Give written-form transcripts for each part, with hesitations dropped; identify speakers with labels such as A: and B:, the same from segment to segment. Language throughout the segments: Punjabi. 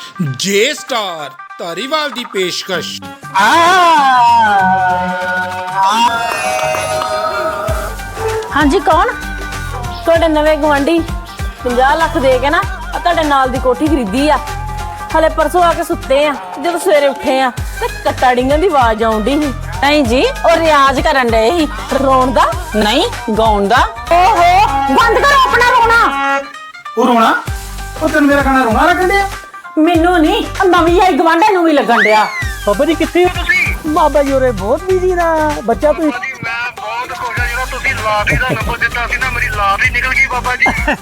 A: ਜੇ ਸਟਾਰ ਧਾਰੀਵਾਲ ਦੀ ਪੇਸ਼ਕਸ਼।
B: ਹਾਂਜੀ ਕੌਣ? ਤੁਹਾਡੇ ਨਵੇਂ ਗਵਾਂਢੀ 50 ਲੱਖ ਦੇ ਕੇ ਨਾ ਤੁਹਾਡੇ ਨਾਲ ਦੀ ਕੋਠੀ ਖਰੀਦੀ ਆ। ਹਲੇ ਪਰਸੋਂ ਆ ਕੇ ਸੁੱਤੇ ਆ, ਜਦੋਂ ਸਵੇਰੇ ਉੱਠੇ ਆ ਤੇ ਕੱਟਾ ਡਿੰਗਣ ਦੀ ਆਵਾਜ਼ ਆਉਂਦੀ ਸੀ। ਨਹੀਂ ਜੀ, ਉਹ ਰਿਆਜ਼ ਕਰਨ ਡਏ ਸੀ। ਰੋਣ ਦਾ ਨਹੀਂ, ਗਾਉਣ ਦਾ। ਓਹੋ, ਬੰਦ ਕਰੋ ਆਪਣਾ ਰੋਣਾ।
C: ਉਹ ਰੋਣਾ? ਉਹ ਤੈਨੂੰ ਮੇਰਾ ਖਾਣਾ ਰੋਣਾ ਲੱਗਣ ਡਿਆ?
B: ਮੈਨੂੰ ਨਹੀਂ, ਨਵੀਂ ਆਈ ਗਵਾਂਢੇ ਨੂੰ ਵੀ ਲੱਗਣ ਡਿਆ।
D: ਬਾਬਾ ਜੀ ਕਿੱਥੇ ਹੋ ਤੁਸੀਂ? ਬਾਬਾ ਜੀ ਉਰੇ ਬਹੁਤ ਬਿਜ਼ੀ ਨਾ ਬੱਚਾ ਤੁਸੀਂ।
E: ਮੈਂ ਬਹੁਤ ਖੁਸ਼ ਹਾਂ, ਜਿਹੜਾ ਤੁਸੀਂ ਲਾਟਰੀ ਦਾ ਨੰਬਰ ਦਿੱਤਾ ਸੀ ਨਾ, ਮੇਰੀ ਲਾਟਰੀ ਨਿਕਲ ਗਈ ਬਾਬਾ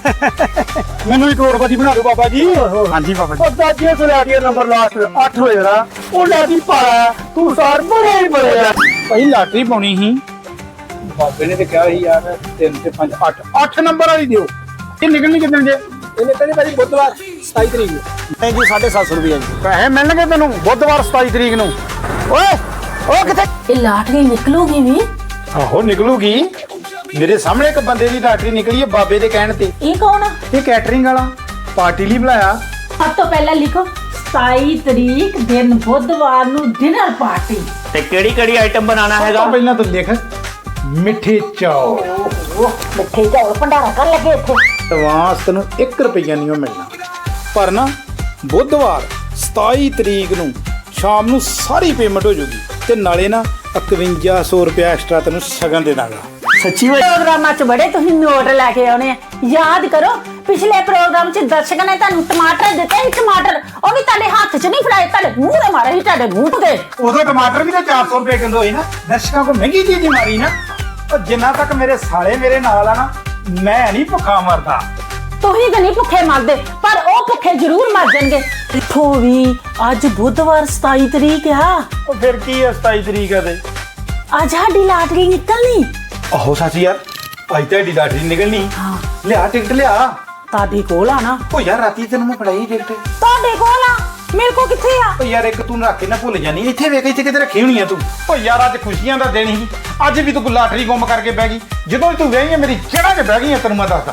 E: ਜੀ।
C: ਮੈਨੂੰ ਵੀ ਕਰੋੜਪਤੀ ਬਣਾ ਦਿਓ ਬਾਬਾ ਜੀ। ਹਾਂਜੀ ਬਾਬਾ ਜੀ।
D: ਉਹ ਦਾਦੀਆਂ ਤੋਂ ਲੈ ਕੇ ਨੰਬਰ ਲਾਸਟ 8 ਹੋਏ ਨਾ, ਉਹ ਲੈ ਕੇ ਪਾਇਆ ਤੂੰ ਸਾਰ ਬੜੇ ਹੀ ਬੜੇ ਆ।
C: ਭਾਈ ਲਾਟਰੀ ਪਾਉਣੀ ਸੀ, ਬਾਬੇ ਨੇ ਤੇ ਕਿਹਾ ਸੀ ਯਾਰ 3 ਤੇ 5 8 ਨੰਬਰ ਵਾਲੀ ਦਿਓ। ਇਹ ਨਿਕਲਣੀ ਕਿੰਨੇ ਜੇ?
D: ਇਹਨੇ ਕਹਿੰਦੇ ਭਾਜੀ ਬੁੱਧਵਾਰ 27 ਤਰੀਕ ਨੂੰ। ਨਹੀਂ ਜੀ 750 ਰੁਪਏ ਜੀ
C: ਪੈਸੇ ਮਿਲਣਗੇ ਤੈਨੂੰ ਬੁੱਧਵਾਰ 27 ਤਰੀਕ ਨੂੰ। ਓਏ ਉਹ ਕਿੱਥੇ?
B: ਇਹ ਲਾਟਰੀ ਨਿਕਲੂਗੀ ਵੀ?
C: ਆਹੋ ਨਿਕਲੂਗੀ। ਮੇਰੇ ਸਾਹਮਣੇ ਇੱਕ ਬੰਦੇ ਦੀ ਲਾਟਰੀ ਨਿਕਲੀ ਹੈ ਬਾਬੇ ਦੇ ਕਹਿਣ ਤੇ।
B: ਇਹ ਕੌਣ ਆ?
C: ਇਹ ਕੈਟਰਿੰਗ ਵਾਲਾ, ਪਾਰਟੀ ਲਈ ਬੁਲਾਇਆ।
B: ਸਭ ਤੋਂ ਪਹਿਲਾਂ ਲਿਖੋ 27 ਤਰੀਕ ਦਿਨ ਬੁੱਧਵਾਰ ਨੂੰ ਡਿਨਰ ਪਾਰਟੀ।
F: ਤੇ ਕਿਹੜੀ ਆਈਟਮ ਬਣਾਉਣਾ
C: ਸਭ
F: ਹੈਗਾ?
C: ਤੋਂ ਪਹਿਲਾਂ ਤੂੰ ਲਿਖ ਮਿੱਠੇ ਚੌਲ।
B: ਮਿੱਠੇ ਚੌਲ ਭੰਡਾਰਾ ਕਰ ਲੱਗੇ ਇੱਥੇ।
C: ਐਡਵਾਂਸ ਤੈਨੂੰ 1 ਰੁਪਈਆ ਨਹੀਂ ਮਿਲਣਾ, ਪਰ ਨਾ ਬੁੱਧਵਾਰ 27 ਤਰੀਕ ਨੂੰ ਸ਼ਾਮ ਨੂੰ ਸਾਰੀ ਪੇਮੈਂਟ ਹੋ ਜਾਊਗੀ ਤੇ ਨਾਲੇ ਨਾ 5100 ਰੁਪਇਆ ਐਕਸਟਰਾ ਤੈਨੂੰ ਸ਼ਗਨ ਦੇ ਦਾਂਗਾ।
D: ਸੱਚੀ ਵੇ?
B: ਪ੍ਰੋਗਰਾਮਾਂ 'ਚ ਬੜੇ ਤੁਸੀਂ ਨੋਟ ਲੈ ਕੇ ਆਉਣੇ ਆ। ਯਾਦ ਕਰੋ ਪਿਛਲੇ ਪ੍ਰੋਗਰਾਮ 'ਚ ਦਰਸ਼ਕਾਂ ਨੇ ਤੁਹਾਨੂੰ ਟਮਾਟਰ ਦਿੱਤੇ ਸੀ। ਟਮਾਟਰ ਉਹ ਵੀ ਤੁਹਾਡੇ ਹੱਥ 'ਚ ਨਹੀਂ ਫੜਾਏ, ਤੁਹਾਡੇ ਮੂੰਹ ਦੇ ਮਾਰੇ ਸੀ, ਤੁਹਾਡੇ ਮੂੰਹ ਤੇ।
C: ਉਦੋਂ ਟਮਾਟਰ ਵੀ ਤਾਂ 400 ਰੁਪਏ ਕਿਲੋ ਹੋਈ ਨਾ। ਦਰਸ਼ਕਾਂ ਕੋ ਮਹਿੰਗੀ ਚੀਜ਼ ਹੀ ਮਾਰੀ ਨਾ। ਉਹ ਜਿੰਨਾ ਤੱਕ ਮੇਰੇ ਸਾਲੇ ਮੇਰੇ ਨਾਲ ਆ ਨਾ, ਮੈਂ ਨਹੀਂ ਭੁੱਖਾ ਮਰਦਾ।
B: ਤੁਸੀਂ ਤਾਂ ਨਹੀਂ ਭੁੱਖੇ ਮਰਦੇ, ਪਰ ਉਹ ਭੁੱਖੇ ਜ਼ਰੂਰ ਮਰ ਜਾਣਗੇ। ਇੱਥੋਂ ਵੀ ਅੱਜ ਬੁੱਧਵਾਰ 27 ਤਰੀਕ ਆ।
C: ਉਹ ਫਿਰ ਕੀ ਹੈ 27 ਤਰੀਕ ਆ ਤੇ?
B: ਅੱਜ ਸਾਡੀ ਲਾਟਰੀ ਨਿਕਲਣੀ।
C: ਆਹੋ ਸੱਚ ਯਾਰ, ਅੱਜ ਤੁਹਾਡੀ ਲਾਟਰੀ ਨਿਕਲਣੀ।
B: ਹਾਂ,
C: ਲਿਆ ਟਿਕਟ ਲਿਆ।
B: ਤੁਹਾਡੇ ਕੋਲ ਆ ਨਾ?
C: ਉਹ ਯਾਰ ਰਾਤੀ ਤੈਨੂੰ ਮੈਂ ਫੜਾਈ ਟਿਕਟ।
B: ਤੁਹਾਡੇ ਕੋਲ ਆ, ਮੇਰੇ ਕੋਲ ਕਿੱਥੇ ਆ?
C: ਉਹ ਯਾਰ ਇੱਕ ਤੂੰ ਰੱਖ ਕੇ ਨਾ ਭੁੱਲ ਜਾਨੀ। ਇੱਥੇ ਵੇਖ, ਇੱਥੇ ਕਿਤੇ ਰੱਖੀ ਹੋਣੀ ਆ ਤੂੰ। ਉਹ ਯਾਰ ਅੱਜ ਖੁਸ਼ੀਆਂ ਦਾ ਦਿਨ ਸੀ, ਅੱਜ ਵੀ ਤੂੰ ਲਾਟਰੀ ਗੁੰਮ ਕਰਕੇ ਬਹਿ ਗਈ। ਜਦੋਂ ਤੂੰ ਵਿਆਹੀ ਆ ਮੇਰੀ ਜੜ੍ਹਾਂ 'ਚ ਬਹਿ ਗਈ ਆ, ਤੈਨੂੰ ਮੈਂ ਦੱਸਦਾ।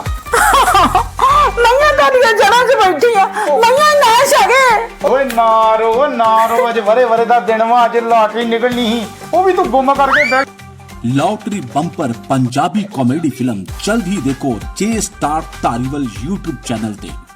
B: ਮੈਂ ਤੁਹਾਡੀਆਂ ਜੜ੍ਹਾਂ 'ਚ ਬੈਠੀ ਆ। ਮੈਂ ਨਾ ਛਗੇ।
C: ਓਏ ਨਾ ਰੋ, ਅੱਜ ਵਰੇ ਦਾ ਦਿਨ ਵਾ, ਅੱਜ ਲਾਟਰੀ ਨਿਕਲਣੀ ਸੀ, ਉਹ ਵੀ ਤੂੰ ਗੁੰਮ ਕਰਕੇ ਬਹਿ।
G: Lottery bumper Punjabi comedy film जल्द ही देखो जे स्टार धारीवाल यूट्यूब चैनल पे।